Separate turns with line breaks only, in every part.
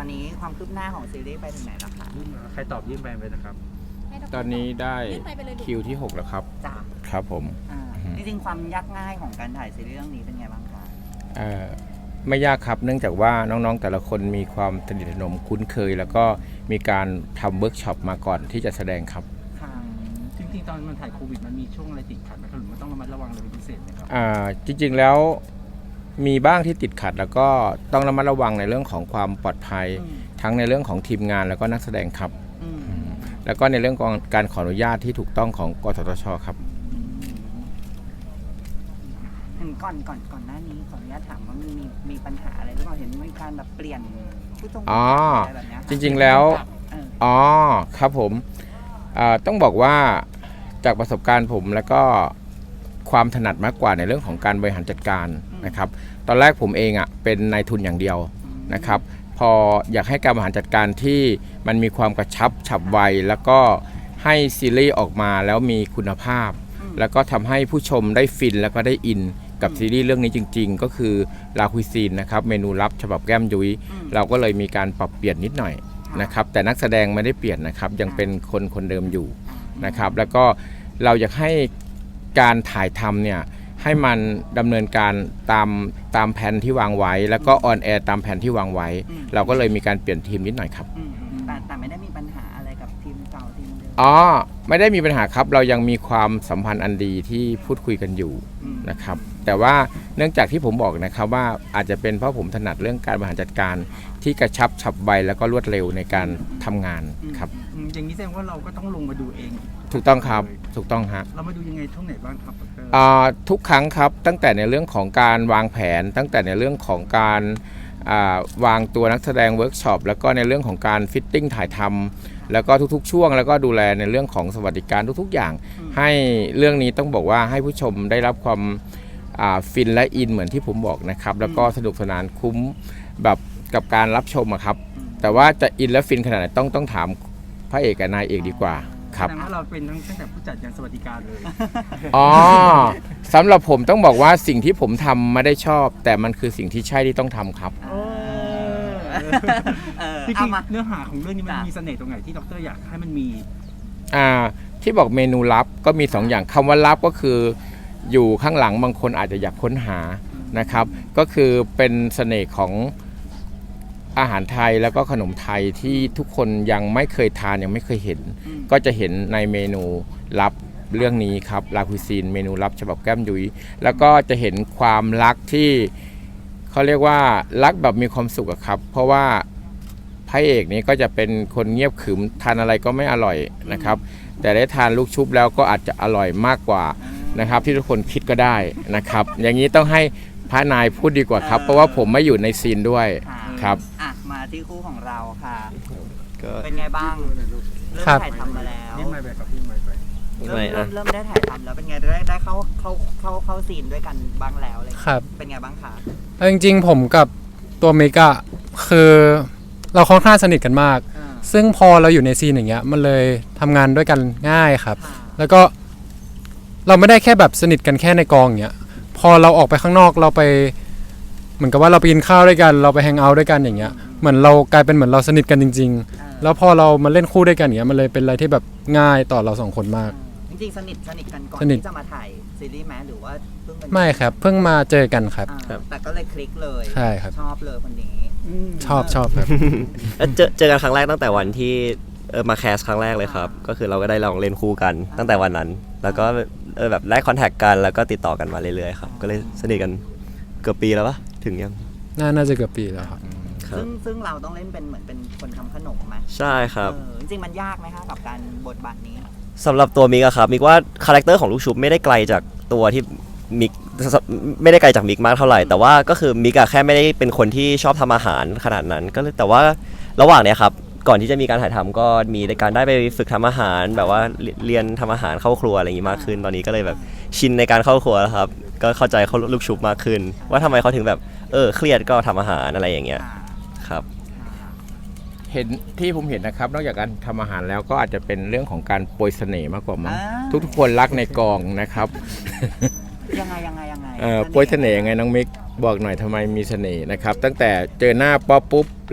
อนนี้ความคืบหน้าของซีรีส์ไปถึงไหนแล้วคะ
ใครตอบยื่นไปนะครับ
ตอนนี้ได้คิวที่ 6 แล้วครับ
จ้า
ครับผม
จริงๆความยากง่ายของการถ่ายซีรีส์เรื่องนี้เป็นไงบ้างคะ
ไม่ยากครับเนื่องจากว่าน้องๆแต่ละคนมีความสนิทสนมคุ้นเคย แล้วก็มีการทำเวิร์กช็อปมาก่อนที่จะแสดงครับ
จริงๆตอนมันถ่ายโควิดมันมีช่วงอะไรติดขัดไหมครับหรือมันต้องระมัดระวังอะไรเป็นพิเศษไหมครับ
จริงๆแล้วมีบ้างที่ติดขัด แล้วก็ต้องระมัดระวังในเรื่องของความปลอดภัยทั้งในเรื่องของทีมงานแล้วก็นักแสดงครับแล้วก็ในเรื่องของการขออนุญาตที่ถูกต้องของกสทชครับ
เห็นก่อนหน้านี้ขออนุญาตถามว่ามีปัญหาอะไรหรือเปล่าเห็นมีการแบบเปลี่ยนผู้ชมอะไรแบบนี้
จริงๆแล้วครับผมต้องบอกว่าจากประสบการณ์ผมแล้วก็ความถนัดมากกว่าในเรื่องของการบริหารจัดการนะครับตอนแรกผมเองเป็นนายทุนอย่างเดียวนะครับพออยากให้การบริหารจัดการที่มันมีความกระชับฉับไวแล้วก็ให้ซีรีส์ออกมาแล้วมีคุณภาพแล้วก็ทำให้ผู้ชมได้ฟินแล้วก็ได้อินกับซีรีส์เรื่องนี้จริงๆก็คือลาคุยซีนนะครับเมนูลับฉบับแก้มยุ้ยเราก็เลยมีการปรับเปลี่ยนนิดหน่อยนะครับแต่นักแสดงไม่ได้เปลี่ยนนะครับยังเป็นคนเดิมอยู่นะครับแล้วก็เราอยากให้การถ่ายทำเนี่ยให้มันดำเนินการตามแผนที่วางไว้แล้วก็ออนแอร์ตามแผนที่วางไว้เราก็เลยมีการเปลี่ยนทีมนิดหน่อยครับ
แต่ไม่ได้มีปัญหาอะไรกับทีมเก่าทีมเดิม
ไม่ได้มีปัญหาครับเรายังมีความสัมพันธ์อันดีที่พูดคุยกันอยู่นะครับแต่ว่าเนื่องจากที่ผมบอกนะครับว่าอาจจะเป็นเพราะผมถนัดเรื่องการบริหารจัดการที่กระชับฉับไวแล้วก็รวดเร็วในการทำงานครับ
อย่างนี้แสดงว่าเราก็ต้องลงมาดูเอง
ถูกต้องครับถูกต้องฮะ
เรามาดูยังไงช่วงไหนบ้างครับ
ทุกครั้งครับตั้งแต่ในเรื่องของการวางแผนตั้งแต่ในเรื่องของการวางตัวนักแสดงเวิร์กช็อปแล้วก็ในเรื่องของการฟิตติ้งถ่ายทำแล้วก็ทุกๆช่วงแล้วก็ดูแลในเรื่องของสวัสดิการทุกๆอย่างให้เรื่องนี้ต้องบอกว่าให้ผู้ชมได้รับความฟินและอินเหมือนที่ผมบอกนะครับแล้วก็สนุกสนานคุ้มแบบกับการรับชมครับแต่ว่าจะอินและฟินขนาดไหนต้องถามพระเอกกับนายเอกดีกว่าครับ
แสดงว่าเราเป็นตั้งแต่ผู้จัดยันสวัสดิการเลย
สำหรับผมต้องบอกว่าสิ่งที่ผมทำไม่ได้ชอบแต่มันคือสิ่งที่ใช่ที่ต้องทำครับ
จริงๆเนื้อหาของเรื่องนี้มันมีเสน่ห์ตรงไหนที่ดรอยากให้มันมี
ที่บอกเมนูลับก็มี2 อย่างคำว่าลับก็คืออยู่ข้างหลังบางคนอาจจะอยากค้นหานะครับก็คือเป็นเสน่ห์ของอาหารไทยแล้วก็ขนมไทยที่ทุกคนยังไม่เคยทานยังไม่เคยเห็นก็จะเห็นในเมนูลับเรื่องนี้ครับลาคุยซีนเมนูลับฉบับแก้มยุ้ยแล้วก็จะเห็นความรักที่เขาเรียกว่ารักแบบมีความสุขครับเพราะว่าพระเอกนี้ก็จะเป็นคนเงียบขรึมทานอะไรก็ไม่อร่อยนะครับแต่ได้ทานลูกชุบแล้วก็อาจจะอร่อยมากกว่านะครับที่ทุกคนคิดก็ได้นะครับอย่างนี้ต้องให้พระนายพูดดีกว่าครับเพราะว่าผมไม่อยู่ในซีนด้วยครับ
มาที่คู่ของเราค่ะเป็นไงบ้างเริ่มถ่ายทำมาแล้ว
นี่ไม่ไปครับพี่ไม่ไป
เริ่มได้ถ่ายทำแล้วเป็นไงได้เข้าซีนด้วยกันบ้างแล้วเลย
ครับ
เป็นไงบ้างคะ
จริงๆผมกับตัวเมกะคือเราค่อนข้างสนิทกันมากซึ่งพอเราอยู่ในซีนอย่างเงี้ยมันเลยทำงานด้วยกันง่ายครับแล้วก็เราไม่ได้แค่แบบสนิทกันแค่ในกองอย่างเงี้ยพอเราออกไปข้างนอกเราไปเหมือนกับว่าเราไปกินข้าวด้วยกันเราไปแฮงเอาท์ด้วยกันอย่างเงี้ยเหมือนเรากลายเป็นเหมือนเราสนิทกันจริงๆแล้วพอเรามาเล่นคู่ด้วยกันอย่างเงี้ยมันเลยเป็นอะไรที่แบบง่ายต่อเรา2 คนมาก
จริงๆสนิทกันก่อนที่จะมาถ่ายซีรีส์แม้หรือว่าเพิ่ง
ไม่ครับเพิ่งมาเจอกันครับ
แต่ก็เลยคลิกเลย
ใช่ครับ
ชอบเลยคนนี้
ชอบครับ
เจอกันครั้งแรกตั้งแต่วันที่มาแคสครั้งแรกเลยครับก็คือเราก็ได้ลองเล่นคู่กันตั้งแต่วันนั้นแล้วก็แบบได้คอนแทคกันแล้วก็ติดต่อกันมาเรื่อยๆครับก็เลยสนิทกันเกือบปีแล้วปะถึงยัง
น่าจะเกือบปีแล้วครับ
ซึ่งเราต้องเล่นเป็นเหมือนเป็นคนทำขนมไหม
ใช่ครับ
จริงๆมันยากไหมคะกับการบทบาทนี้
สำหรับตัวมิกอะครับมิกว่าคาแรคเตอร์ของลูกชุบไม่ได้ไกลจากตัวที่มิกไม่ได้ไกลจากมิกมากเท่าไหร่แต่ว่าก็คือมิกอะแค่ไม่ได้เป็นคนที่ชอบทำอาหารขนาดนั้นก็เลยแต่ว่าระหว่างเนี้ยครับก่อนที่จะมีการถ่ายทำก็มีการได้ไปฝึกทำอาหารแบบว่าเรียนทำอาหารเข้าครัวอะไรอย่างงี้มากขึ้นตอนนี้ก็เลยแบบชินในการเข้าครัวแล้วครับก็เข้าใจเขาลูกชุบมากขึ้นว่าทำไมเขาถึงแบบเครียดก็ทำอาหารอะไรอย่างเงี้ยครับ
เห็นที่ผมเห็นนะครับนอกจากการทำอาหารแล้วก็อาจจะเป็นเรื่องของการโปรยเสน่ห์มากกว่ามั้งทุกคนรักในกองนะครับ
ยังไง
โปรยเสน่ห์ยังไงน้องมิกบอกหน่อยทำไมมีเสน่ห์นะครับตั้งแต่เจอหน้าป๊อปปุ๊บ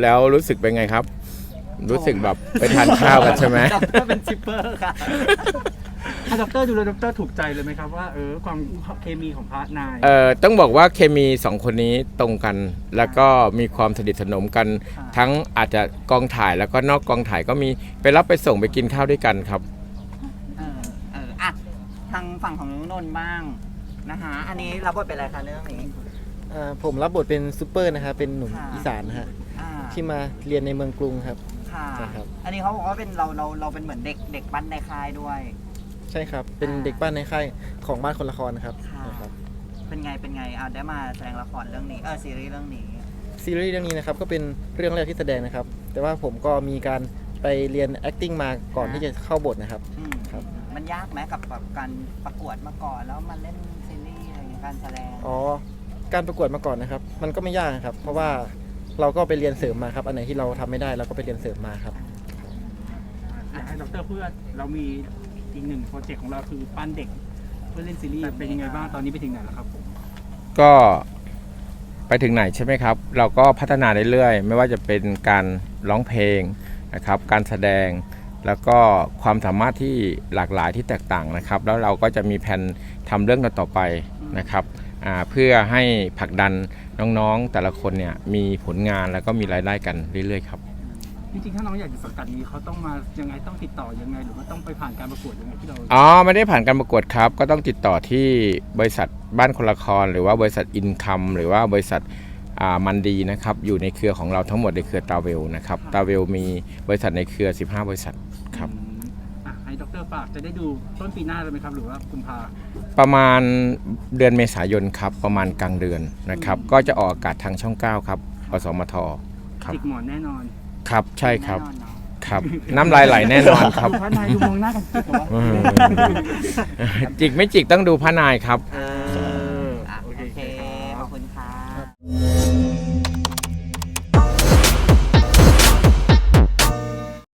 แล้วรู้สึกเป็นไงครับ รู้สึกแบบไปทานข้าวกันใช่ไหม
ด็อกเตอร์เป็นชิปเปอร์ค่ะ
ถ้าดรดูแล้วดรถูกใจเลยไหมครับว่าความเคมีของพระนาย
ต้องบอกว่าเคมี2คนนี้ตรงกัน แล้วก็มีความสนิทสนมกัน ทั้งอาจจะกองถ่ายแล้วก็นอกกองถ่ายก็มีไปรับไปส่งไปกินข้าวด้วยกันครับ
อ่ะทางฝั่งของน้องนนท์บ้างนะคะอันนี้รับบทเป็นอะไรคะเรื่องนี้
ผมรับบทเป็นซูเปอร์นะครับเป็นหนุ่ม
ค่ะ
อีสานนะฮะ
อ่า
ที่มาเรียนในเมืองกรุงครับ
ค่ะ
ใช่ครับ
อันนี้เขาบอกว่าเป็นเราเป็นเหมือนเด็กปั้นในค่ายด้วย
ใช่ครับ เป็นเด็กบ้านในค่ายของบ้านคนละครนะครับ
ค่ะ
ใช่ครับ
เป็นไงได้มาแสดงละครเรื่องนี้ซีรีส์เรื่องนี้
ซีรีส์เรื่องนี้นะครับก็เป็นเรื่องแรกที่แสดงนะครับ แต่ว่าผมก็มีการไปเรียน acting มาก่อนที่จะเข้าบทนะครับ
อืม
ครับ
มันยากไหมกับแบบการประกวดมาก่อนแล้วมาเล่นซีรีส์อะไรอย่างเงี้ยการแสดง
อ๋อการประกวดมาก่อนนะครับ มันก็ไม่ยากนะครับ เพราะว่าเราก็ไปเรียนเสริมมาครับ อันไหนที่เราทำไม่ได้เราก็ไปเรียนเสริมมาครับ
อยากให้ดรพูดว่าเรามีอีกหนึ่งโปรเจกต์ของเราคือปั้นเด็กเพื่อเล่นซีรีส์เป็นยังไงบ้างตอนนี้ไปถึงไหนแล้วครับผม
ก็ไปถึงไหนใช่ไหมครับ เราก็พัฒนาเรื่อยๆไม่ว่าจะเป็นการร้องเพลงนะครับ การแสดงแล้วก็ความสามารถที่หลากหลายที่แตกต่างนะครับ แล้วเราก็จะมีแผนทำเรื่องต่อๆไปนะครับเพื่อให้ผลักดันน้องๆแต่ละคนเนี่ยมีผลงานแล้วก็มีรายได้กันเรื่อยๆครับ
จริงๆถ้าน้องอยากอยู่สังกัดนี้เขาต้องมายังไงต้องติดต่อยังไงหรือว่าต้องไปผ่านการประกวดยังไงที่เรา
อ๋อไม่ได้ผ่านการประกวดครับ ก็ต้องติดต่อที่บริษัทบ้านคนละครหรือว่าบริษัทอินคัมหรือว่าบริษัทมันดีนะครับอยู่ในเครือของเราทั้งหมดในเครือตาเวลนะครับตาเวลมีบริษัทในเครือ15บริษัทครับ
ให้ดรฝากจะได้ดูต้นปีหน้าเลยไหมครับหรือว่ากุมภา
ประมาณเดือนเมษายนครับประมาณกลางเดือนนะครับก็จะออกอากาศทางช่อง 9 ครับอสมทครับ
จิกหมอนแน่นอน
ครับใช่ครับ
แน่นอนเนอะ
ครับน้ำลายไหลแน่นอนครับ
ดูพระนายดูมองหน้ากันจิกเหรอ
จิกไม่จิกต้องดูพระนายครับ
อ่า